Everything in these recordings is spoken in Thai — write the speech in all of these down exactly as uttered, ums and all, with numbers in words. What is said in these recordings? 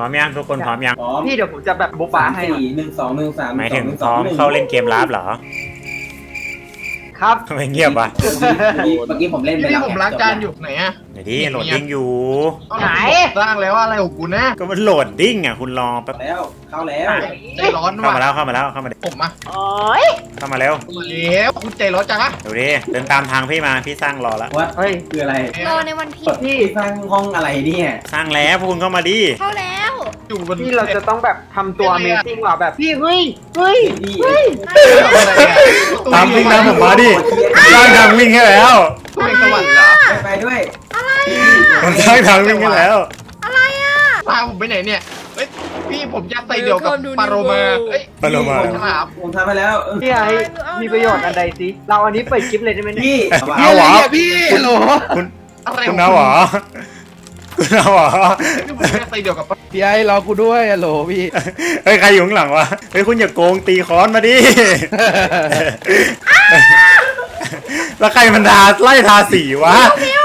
ร้อมยังทุกคนพร้อมยังพี่เดี๋ยวผมจะแบบบุ๊บบ้าให้สี่หนึ่งสองหนึ่งสามหมายถึงพร้อมเข้าเล่นเกมลับเหรอครับทำไมเงียบวะเมื่อกี้ผมเล่นไปแล้วผมล้างจานอยู่ไหนอะไหนดิโหลดดิ้งอยู่ไหนสร้างแล้วอะไรของกูนะก็มันโหลดดิ้งอ่ะคุณรอแป๊บแล้วเข้าแล้วใจร้อนเข้ามาแล้วเข้ามาแล้วเข้ามาผมมาโอ้ยเข้ามาเร็วแล้วคุณใจร้อนจังอะดูดิเดินตามทางพี่มาพี่สร้างรอแล้วว่าเฮ้ยคืออะไรรอในวันพีพี่สร้างห้องอะไรเนี่ยสร้างแล้วพวกคุณเข้ามาดิเข้าแล้วพี่เราจะต้องแบบทำตัวเมซิ่งว่ะแบบพี่เฮ้ยเฮ้ยเฮ้ยตามวิ่งตามผมมาดิสร้างทางวิ่งให้แล้วตัวเองสวรรค์เหรอไปด้วยอะไรอ่ะมันสร้างทางวิ่งให้แล้วอะไรอ่ะพาผมไปไหนเนี่ยเฮ้ยพี่ผมจะไปเดียวกับปาโรมาเฮ้ยปาโรมาผมทำไปแล้วพี่ไอ้มีประโยชน์อันใดสิเราอันนี้เปิดคลิปเลยได้ไหมพี่เอาหรอพี่โหลคุณคุณเอาหรอคุณเอาหรอไปเดียวกับพี่ไอ้รอกูด้วยอะโหลพี่เฮ้ยใครอยู่ข้างหลังวะเฮ้ยคุณอย่าโกงตีค้อนมาดิแล้วใครมันทาไล่ทาสีวะ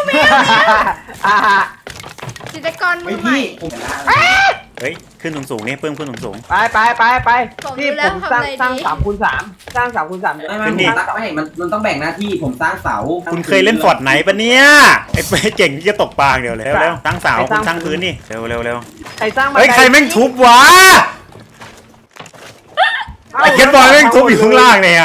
จิตรกรมือใหม่เฮ้ยขึ้นสูงสูงนี่เพิ่มขึ้นสูงสูงไปไปไปไปพี่ผมสร้างสร้างสามคูณสามสร้างสามคูณสามไม่ไม่ไม่มันมันต้องแบ่งหน้าที่ผมสร้างเสาคุณเคยเล่นฟอร์ดไหนปะเนี่ยไอ้ไปเก่งที่จะตกปลาเดี๋ยวเลยเร็วสร้างเสาคุณสร้างพื้นนี่เร็วเร็วเร็วใครสร้างเฮ้ยใครแม่งทุบวะไอ้เก็ตบอลแม่งทุบอยู่ข้างล่างเนี่ย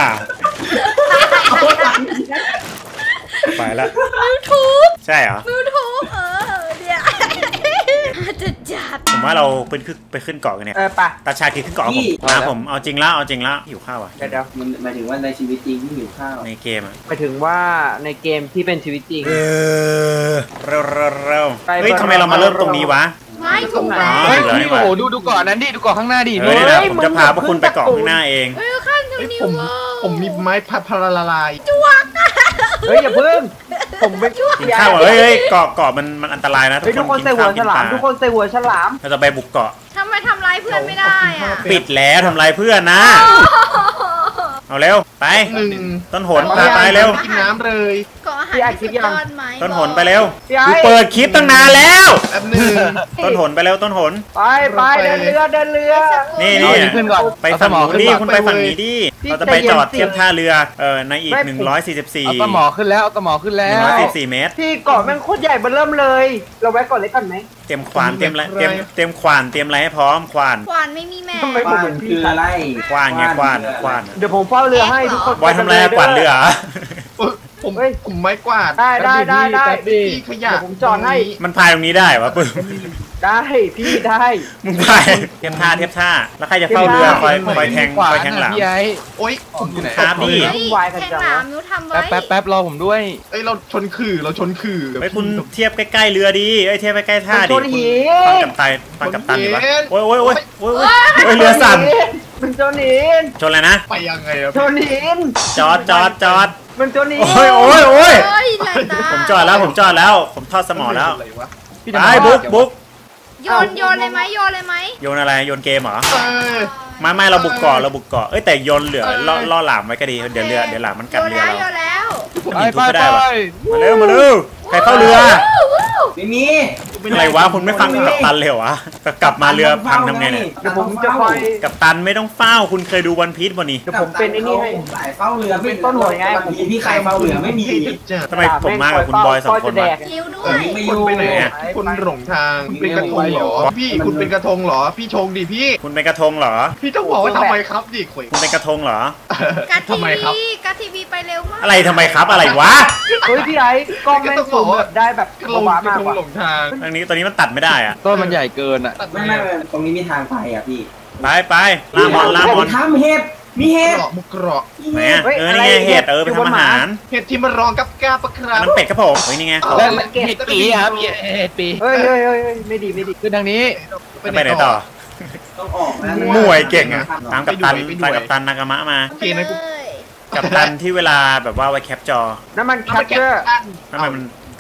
ไปละมิวทูบใช่เหรอมิวทูบเออเดี๋ยวจะจัดผมว่าเราไปขึ้นไปขึ้นเกาะกันเนี่ยเออปะตาชาคิดขึ้นเกาะผมมาผมเอาจริงแล้วเอาจริงแล้วหิวข้าวอ่ะเดี๋ยวมันหมายถึงว่าในชีวิตจริงที่หิวข้าวในเกมอ่ะหมายถึงว่าในเกมที่เป็นชีวิตจริงเออเร็วเร็วเร็วเฮ้ยทำไมเรามาเริ่มตรงนี้วะไม่ถูกแล้วเฮ้ยโอ้โหดูดูเกาะนั้นดิดูเกาะข้างหน้าดิเฮ้ยผมจะพาพวกคุณไปเกาะข้างหน้าเองเฮ้ยข้างตรงนี้ผมผมมีไม้พัดพลาลายจวกเฮ้ยอย่าเพิ่งผมไม่ช่วยกินข้าวเฮ้ยเฮ้ยเกาะเกาะมันมันอันตรายนะทุกคนใส่หัวฉลามทุกคนใส่หัวฉลามเราจะไปบุกเกาะทำไมทำร้ายเพื่อนไม่ได้อ่ะปิดแล้วทำร้ายเพื่อนนะเอาเร็วไปต้นหนไปเร็วกินน้ำเลยก็อาหารที่สุดยอดไหมต้นหนไปเร็วกูเปิดคลิปตั้งนานแล้วต้นหนไปเร็วต้นหนไปไปเดินเรือเดินเรือนี่นี่ไปฝั่งนี้ดิคุณไปฝั่งนี้ดิเราจะไปจอดเทียบท่าเรือเออในอีกหนึ่งร้อยสี่สิบสี่เอาตะหมอขึ้นแล้วเอาตะหมอขึ้นแล้วหนึ่งร้อยสี่สิบสี่เมตรที่เกาะแม่งโคตรใหญ่เบ้อเริ่มเลยเราแวะก่อนเลยก่อนไหมเตรียมขวานเตรียมอะไรเตรียมเตรียมขวานเตรียมอะไรให้พร้อมขวานขวานไม่มีแม่ทำไมผมเหมือนคืออะไรขวานไงขวานขวานเดี๋ยวผมเฝ้าเรือให้ทุกคนบอยทำอะไรขวานเรือผมผมไม้กวาดได้ได้ได้ได้พี่ขยะผมจอดให้มันพายตรงนี้ได้วะปึ๊บได้พี่ได้มึงพายเทียบท่าเทียบท่าแล้วใครจะเฝ้าเรือคอยคอยแทงคอยแทงหลังพี่ไอ้โอ๊ยผมอยู่ไหนครับพี่แทงหลังมิวทำไว้แป๊บแป๊บรอผมด้วยเอ้ยเราชนขื่อเราชนขื่อไอ้คุณเทียบใกล้ๆเรือดีไอ้เทียบใกล้ๆท่าดิฟังกับตายฟังกับตันอยู่ปะโอ้ยโอ้ยโอ้ยโอ้ยโอ้ยเรือสั่นมันโจนินชนอะไรนะไปยังไงอะโจนินจอดจอดจอดมันโจนินโอ้ยโอ้ยโอ้ยผมจอดแล้วผมจอดแล้วผมทอดสมอแล้วไปบุ๊กบุ๊กโยนโยนเลยไหมโยนเลยไหมโยนอะไรโยนเกมเหรอไม่ไม่เราบุกเกาะเราบุกเกาะเอ้ยแต่โยนเหลือล่อล่อหลามไว้ก็ดีเดี๋ยวเรือเดี๋ยวหลามมันกัดเรือเราโยนแล้วผมยิงทุบไม่ได้วะมาเร็วมาเร็วใครเข้าเรือไม่มีอะไรวะคุณไม่ฟังกับตันเลยเหรอวะกลับมาเรือพังทำไงเนี่ยเดี๋ยวผมจะคอยกับตันไม่ต้องเฝ้าคุณเคยดูวันพีซบ่นี่เดี๋ยวผมเป็นไอ้นี่ให้สายเฝ้าเรือเป็นต้นหัวไงผมพี่ใครเฝ้าเรือไม่มีทำไมผมมากับคุณบอยสองคนวะไม่อยู่ไปไหนคุณหลงทางเป็นกระทงเหรอพี่คุณเป็นกระทงเหรอพี่ชงดิพี่คุณเป็นกระทงเหรอพี่ต้องบอกว่าทำไมครับดิคุยคุณเป็นกระทงเหรอกัดทีวีกัดทีวีไปเร็วมากอะไรทำไมครับอะไรวะเฮ้ยพี่ไอ้กล้องแม่งซูมแบบได้แบบลงมากกว่าหลงทางตรงนี้ตอนนี้มันตัดไม่ได้อะต้นมันใหญ่เกินอ่ะไม่ไม่ตรงนี้มีทางไปอ่ะพี่ไปไปลามอนลามอนทำเห็ดมีเห็ดมุกเกาะไหนเออนี่ไงเห็ดเออไปทำอาหารเห็ดที่มันรองกับกาปะครับมันเป็ดครับผมเฮ้ยนี่ไงเห็ดปีครับเห็ดปีเฮ้ยเฮ้ยเฮ้ยไม่ดีไม่ดีขึ้นทางนี้ไปไหนต่อต้องออกนะมวยเก่งอ่ะตามกับตันตามกับตันนากามะมากับตันที่เวลาแบบว่าไว้แคปจอน้ำมันแคปเจอร์ทำไมมัน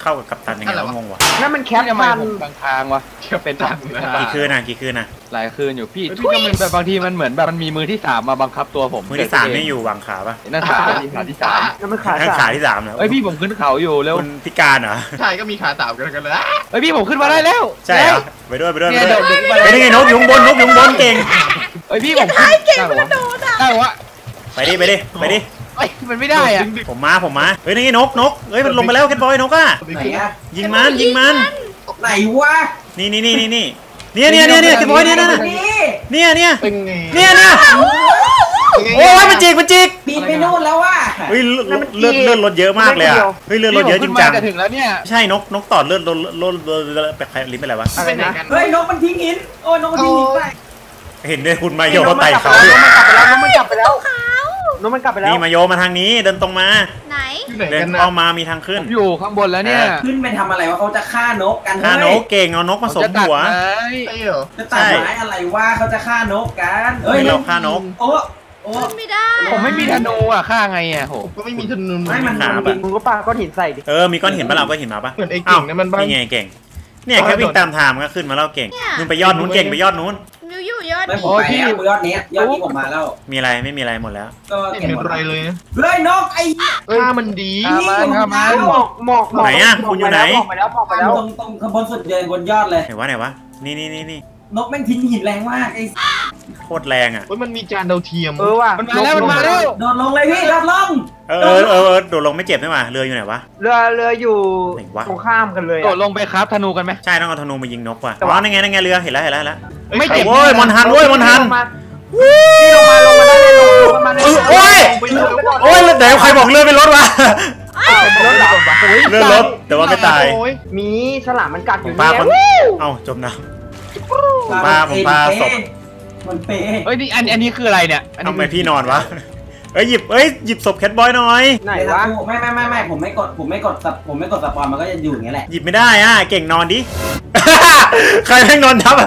เข้ากับกัปตันยังไงวะงงวะนั่นมันแคปทำไมทันผมกลางทางวะเป็นทางกี่คืนนะกี่คืนนะหลายคืนอยู่พี่พี่ก็มันแบบบางทีมันเหมือนแบบมันมีมือที่สามมาบังคับตัวผมมือที่สามนี่อยู่วางขาปะนั่นขาที่ขาที่สามนั่นมันขาข้างขาสามที่สามแล้วเอ้ยพี่ผมขึ้นเขาอยู่เร็วคุณพิการเหรอใช่ก็มีขาสามกันกันเลยเอ้ยพี่ผมขึ้นมาได้แล้วใช่เหรอไปด้วยไปด้วยไปเนี่ยด้วยเดี๋ยวไปนี่ไงนกอยู่ข้างบนนกอยู่ข้างบนเก่งเอ้ยพี่ผมขึ้นเก่งมันกระโดดอ่ะได้วะไปดิไปดิไปดิเอ้ยมันไม่ได้อะผมมาผมมาเฮ้ยนี่ไงนกนกเฮ้ยมันลงไปแล้วแคทบอยนกอ่ะไหนอะยิงมันยิงมันไหนวะนี่นี่นี่นี่นี่เนี่ยเนี่ยเนี่ยเนี่ยแคทบอยเนี่ยเนี่ยนี่เนี่ยเนี่ยเป็นไงเนี่ยเนี่ยโอ้ยมันจิกมันจิกปีนไปนู่นแล้วว่ะเฮ้ยเลือดเลือดเลือดลดเยอะมากเลยอ่ะเฮ้ยเลือดลดเยอะจริงจังจะถึงแล้วเนี่ยใช่นกนกตอดเลือดลดลดลดลดไปใครลิ้นเป็นไรวะอะไรนะเฮ้ยนกมันทิ้งหินโอ้ยนกมันทิ้งหินไปเห็นด้วยคุณมาโยเขาไต่เขาน้องมันกลับไปแล้วน้องมันกลับไปแล้วขาวน้องมันกลับไปแล้วนี่มาโยมาทางนี้เดินตรงมาไหนอยู่ไหนเดิกัน นนะเข้ามามีทางขึ้นอยู่ข้างบนแล้วเนี่ยขึ้นไปทำอะไรวะเขาจะฆ่านกกันฆ่านเฮ้ยกเก่งเอานกมาสมจะตัดหัวไม้ใช่เหรอจะตัดไม้อะไรวะเขาจะฆ่านกกันเฮ้ยไม่เราฆ่านกโอ้โอ้ขึ้นไม่ได้ผมไม่มีธนูอ่ะฆ่าไงอ่ะโหผมก็ไม่มีธนูไม่มันขามันปะบินมึงก็ปาก้อนหินใส่ดิเออมีก้อนหินปะเราก้อนหินมาปะเหมือนไอ้เก่งเนี่ยมันบ้านี่ไงเก่งเนี่ยแค่วิ่งตามทางมันก็ขึ้นมาแล้วเก่งนู่นไปยอดนู้นเก่งไปยอดนู้นมิวอยู่ยอดไม่นี้ผมไปแล้วยอดนี้ยอดนี้ผมมาแล้วมีอะไรไม่มีอะไรหมดแล้วก็ไม่เก็บมีหมดอะไรเลยนะเฮ้ยนกไอ้ถ้ามันดีฆ่ามันฆ่ามันหมอกหมอกหมอกไหนอะคุณอยู่ไหนหมอกไปแล้วหมอกไปแล้วตรงตรงข้างบนสุดเลยบนยอดเลยไหนวะไหนวะนี่นี่นี่นี่นกแม่งทิ้งหินแรงมากไอ้โคตรแรงอ่ะเฮ้ยมันมีจานดาวเทียมเออว่ะมันมาแล้วมันมาแล้วโดดลงเลยพี่โดดลงเออเออเออเออโดดลงไม่เจ็บใช่ไหมเรืออยู่ไหนวะเรือเรืออยู่ไหนวะตรงข้ามกันเลยโดอะดลงไปครับธนูกันไหมใช่ต้องเอาธนูมายิงนกว่ะอ๋อนั่นไงนั่นไงเรือเห็นแล้วเห็นแล้วเห็นแล้วไม่เจ็บโอ้ยมอนฮันเว้ยมอนฮันลงมานี่ลงมาลงมาได้เลยลงลงมาได้โอ้ยไปเลยโอ้ยไหนใครบอกเรือเป็นรถวะอ้าวรถเหรอเรือรถแต่ว่าไม่ตายโอ้ยมีฉลามมันกัดอผมยู่พาเนี่ยคนเอ้าจมน้ำ ผมพาผมพาศพมันเป๊ะเอ้ยนี่อันอันนี้คืออะไรเนี่ยอันทำนี้ไมพี่นอนวะเอ้ยหยิบเอ้ยหยิบศพแคทบอยหน่อยไหนวะไม่ไม่ไม่ไม่ผมไม่กดผมไม่กดสับผมไม่กดสปอนมันก็จะอยู่อย่างเงี้ยแหละหยิบไม่ได้อ่ะเก่งนอนดิ ใครแม่งนอนทับอ่ะ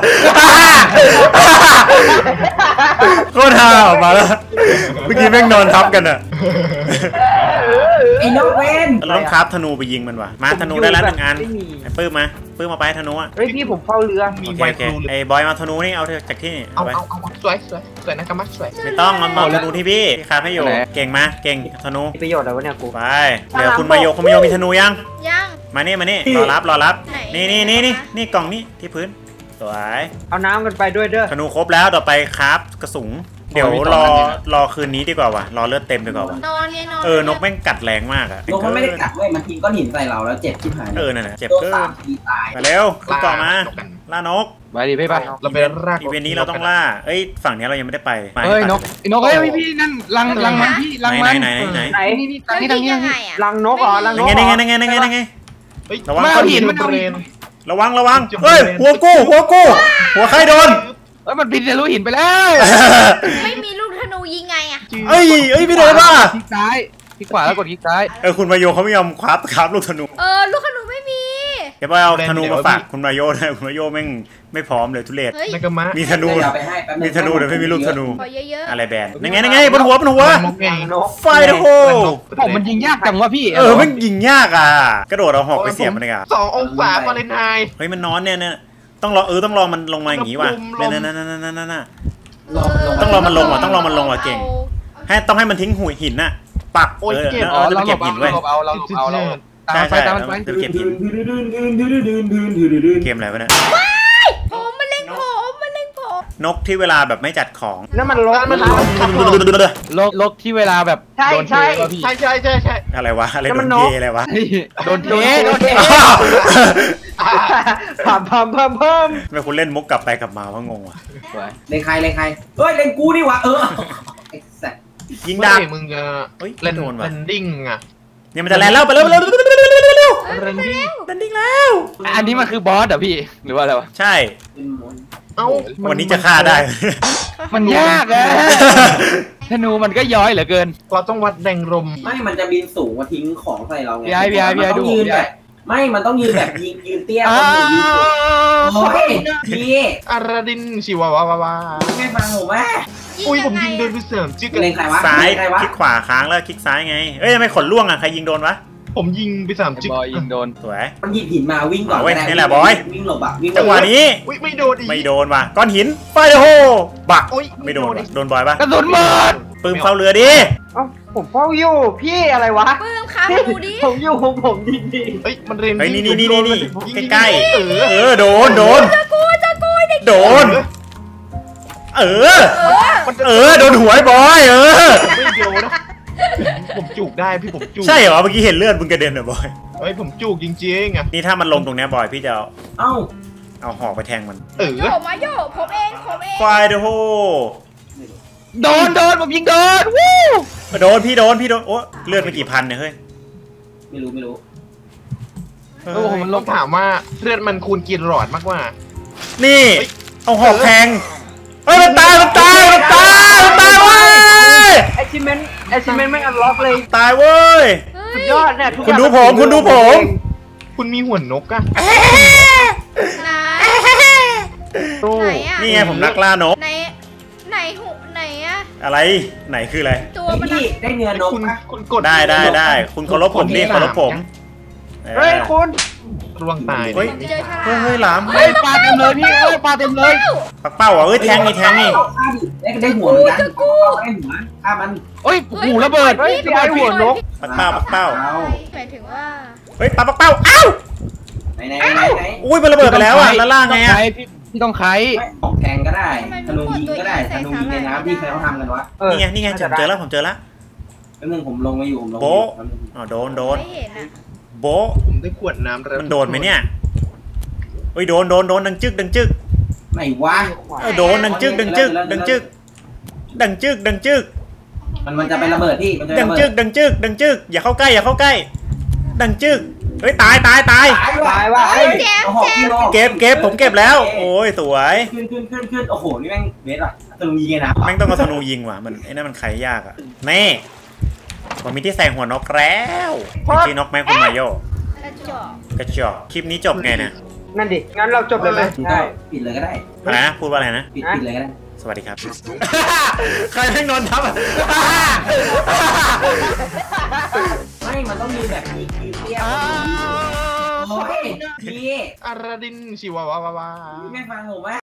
โคตรฮาออกมาแล้วเมื่อกี้แม่งนอนทับกันอ่ะไอ้นกเวนเราต้องคราฟธนูไปยิงมันว่ะมาธนูได้แล้วหนึ่งอันไอ้ปื้มมาปื้มมาไปธนูอ่ะเฮ้ยพี่ผมเฝ้าเรือมีโอเคไวโอเคครูเลยไอ้บอยมาธนูนี่เอาจากที่นี่เอาเอาไปเอาเอาเอาสวยสวยสวยนะครับมัดสวยไม่ต้องมันมาธนูที่พี่พี่คราฟให้อยู่เก่งมาเก่งธนูมีประโยชน์อะไรวะเนี่ยกูไปเดี๋ยวคุณมาโยคุณมาโยมีธนูยังยังมานี่มานี่รอรับรอรับไหนนี่นี่นี่นี่นี่กล่องนี้ที่พื้นสวยเอาน้ำกันไปด้วยเด้อธนูครบแล้วต่อไปคราฟกระสุนเดี๋ยวรอรอคืนนี้ดีกว่าว่ะรอเลือดเต็มดีกว่าว่ะนอนเนี่ยนอนเออนกแม่งกัดแรงมากอะนกมันไม่ได้กัดเว้ยมันทิ้งก้อนหินใส่เราแล้วเจ็บที่หายเออนั่นแหละเจ็บโดนเกิสาน มทีตายมาเร็วขึ้นเกาะมานกกันล่านกไปดิพี่ไปเราไปรากอีเวนต์นี้เราต้องล่าเอ้ยฝั่งนี้เรายังไม่ได้ไปเฮ้ยนกไอ้นกเฮ้ยพี่นั่นรังรังมันพี่รังไหนมันไหนไหนไหนไหนนี่นี่แล้ทางวนี้ทางยิงนี้ยัทางงไงนี้อ่ะรังนกเหรอรังนนั่กนเหรไงอนั่นไงนั่นไงนั่นไงเฮ้ยระวังไม่เอาหินมันเอาเบรหินนระวังระวังเฮ้ยหัวกู้หัวกู้หัวใครโดนเอ้ยมันบินทะลุหินไปแล้วไม่มีลูกธนูยิงไงอ่ะเอ้ยเอ้ยพี่โดนป่ะคลิกซ้ายคลิกขวาแล้วกดคลิกซ้ายเออคุณมาโยเขาไม่ยอมคราฟคราฟลูกธนูเออลูกธนูไม่มีเดี๋ยวไปเอาธนูมาฝากคุณมาโยนะคุณมาโยแม่งไม่พร้อมเลยทุเรศเฮ้ยนากามะมีธนูเดี๋ยวเอาไปให้แป๊บนึงมีธนูแต่ไม่มีลูกธนูขอเยอะอะไรแบนนั่นไงนั่นไงบนหัวบนหัวนกไงนกไฟโฮผมมันยิงยากจังวะพี่เออมันยิงยากอ่ะกระโดดเอาหอกไปเสียบมันเลยอ่ะสององศาฟาเรนไฮต์เฮ้ยมันนอนเนี่ยเนี่ยต้องรอเออต้องรอมันลงมาอย่างงี้ว่ะลมนั่นนั่นนั่นนั่นนั่นๆลงลงต้องรอมันลงว่ะต้องรอมันลงว่ะเก่ง ให้ต้องให้มันทิ้งหุยหินน่ะปักเออแล้วอ๋อเราจะเราไปหลเก็บบ หินเอาไว้เราเอาเราหลบเอาเราตามใช่ไปใช่ตามมันไปจะไปเก็บหินเกมอะไรวะเนี่ยผมมันเล็งผมมันเล็งผมนกที่เวลาแบบไม่จัดของนั่นมันลกมันนะโลกโลกที่เวลาแบบใช่โดนเทใช่แล้วพี่ใช่ใช่ใช่ใช่อะไรวะอะไรแล้วโดมันนนกเทอะไรวะโดนเทโดนเทพามพามพามพามทำไมคุณเล่นมุกกลับไปกลับมาว่างงว่ะเล่นใครเล่นใครเฮ้ยเล่นกูนี่วะเออไอ้สัสยิงไม่ดาบมึงจะเฮ้ยเล่นโดนว่ะเล่นดิ้งอ่ะเนี่ยมันจะแลนแล้วไปเร็วเร็วเร็วเร็วเร็วเร็วเร็วเร็วเล่นดิ้งแลนดิ้งแล้วอันนี้มันคือบอสเหรอพี่หรือว่าอะไรวะใช่เป็นมนเอ้าวันนี้จะฆ่าได้มันยากอะธนูมันก็ย้อยเหลือเกินเราต้องวัดแรงลมไม่มันจะบินสูงมาทิ้งของใส่เราไงพี่ไอ้พี่ไอ้พี่ไอ้มันต้องดูยืนพี่ไอ้แบบไม่มันต้องยืนแบบยืนยืนเตี้ยอ้าคนหนึ่งยืนสูงโอ้ยพี่อาราดินชิวาวาวาวาไม่ฟังผมว่าอุ้ยผมยิงโดนไปเสริมจิ๊กเล่นใครวะซ้ายเล่นใครวะคลิกขวาค้างแล้วคลิกซ้ายไงเอ้ยทำไมขนล่วงอ่ะใครยิงโดนวะผมยิงไปสามจิ๊กบอยยิงโดนสวยมันหยิบหินมาวิ่งก่อนเอาเว้ยนี่แหละบอยวิ่งหลบอะวิ่งจังหวะนี้อุ้ยไม่โดนอีกไม่โดนว่ะก้อนหินไฟโฮบักโอ้ยไม่โดนอีว่ะกโดนบอยปะกระสุนหมดปืนเฝ้าเรือดิเอ้าผมเฝ้าอยู่พี่อะไรวะปื้มครับดูดิผมอยู่ของผมดีเฮ้ยมันเรนเฮ้ยนี่นี่นี่นี่นี่ยิงใกล้ๆเออเออโดนโดนจะกูจะกูเด็กโดน เออเออมันจะเออโดนหัวไอ้บอยเออไม่โดนนะผมจุกได้พี่ผมจุกใช่เหรอเมื่อกี้เห็นเลือดมึงกระเด็นเหรอบอยเฮ้ยผมจุกจริงๆอ่ะนี่ถ้ามันลงตรงเนี้ยบอยพี่จะเอาเอ้าเอาหอกไปแทงมันเออโยมาโยผมเองผมเองไฟโฮโดนโดนผมยิงโดนวู้โดนพี่โดนพี่โดนโอ้เลือดไปกี่พันเนี่ยเฮ้ยไม่รู้ไม่รู้เอโอ้อโหมันลต้อง งถามว่าเลือดมันคูณกี่หลอดมากกว่านี่ เอาหอกแทงเฮ้ยมันตายมันตายมันตายมันตายเว้ยๆ achievement achievement ไม่อันล็อกเลยตายเว้ยสุดยอดเนี่ยทุกอคุณย่างดูผมคุณดูผมคุณมีหัวนกอะไหนดูไหนอะนี่ไงผมนักล่านกไหนไหนหูไหนอะอะไรไหนคืออะไรตัวเฮ้ยมันพี่ได้เนื้อนกคุณปะคุณกดได้ได้ได้คุณเคารพผมดิเคารพผมเฮ้ยคุณร่วงตายเฮ้ยเจอฉลามเฮ้ยเฮ้ยหลามเฮ้ยปลาเต็มเลยพี่เฮ้ยปลาเต็มเลยปักเป้าอ่ะเอ้ยแทงนี่แทงนี่ฆ่าดิได้ได้หัวเหมือนกันได้หัวฆ่ามันเฮ้ยหูระเบิดเฮ้ยพี่ไอหัวนกปักเป้าปักเป้าเอาหมายถึงว่าเฮ้ยปลาปักเป้าอ้าวไหนไหนไหนไหนอุ้ยมันระเบิดไปแล้วอ่ะแล้วล่างไงอ่ะพี่พี่ต้องไขไม่ออกแทงก็ได้ธนูยิงก็ได้ธนูยิงในน้ำที่เคยเขาทำกันวะเออนี่ไงนี่ไงผมเจอแล้วผมเจอแล้วแป๊บนึงผมลงมาอยู่ผมลงโบ๊ะอ๋อโดนโดนไม่เห็นอะโบ๊ะผมได้ขวดน้ำแล้วมันโดนไหมเนี่ยเฮ้ยโดนโดนโดนดังจึกดังจึกไหนวะเออโดนดังจึกดังจึกดังจึกดังจึกดังจึกมันมันจะเป็นระเบิดพี่มันจะดัระงเบิจึดกดังจึกดังจึกอย่าเข้าใกล้อย่าเข้าใกล้ ดังจึกเฮ้ยตายตายตายตายว่ะเฮ้ยเจ็บเจ็บเก็บเก็บผมเก็บแล้ว โอ้ยสวยขึ้นขึ้นขึ้นขึ้นโอ้โหนี่แม่งเบสว่ะธนูยิงไงนะแม่งต้องมาธนูยิงว่ะมันไอ้นั่นมันไขยากอ่ะแม่ผมมีที่ใส่หัวนกแล้วที่นกแม่คุณมาโยกระจอกกระจอกคลิปนี้จบไงนะนั่นดิ งั้นเราจบเลยไหมก็ใช่ปิดเลยก็ได้อะไรนะพูดว่าอะไรนะปิดปิดเลยก็ได้สวัสดีครับ ใครแม่งนอนทับอ่ะไม่ มันต้องมีแบบมีคิวเทียบโอ้ยพี่อาราดินชิวาวาวาพี่ไม่ฟังผมไหม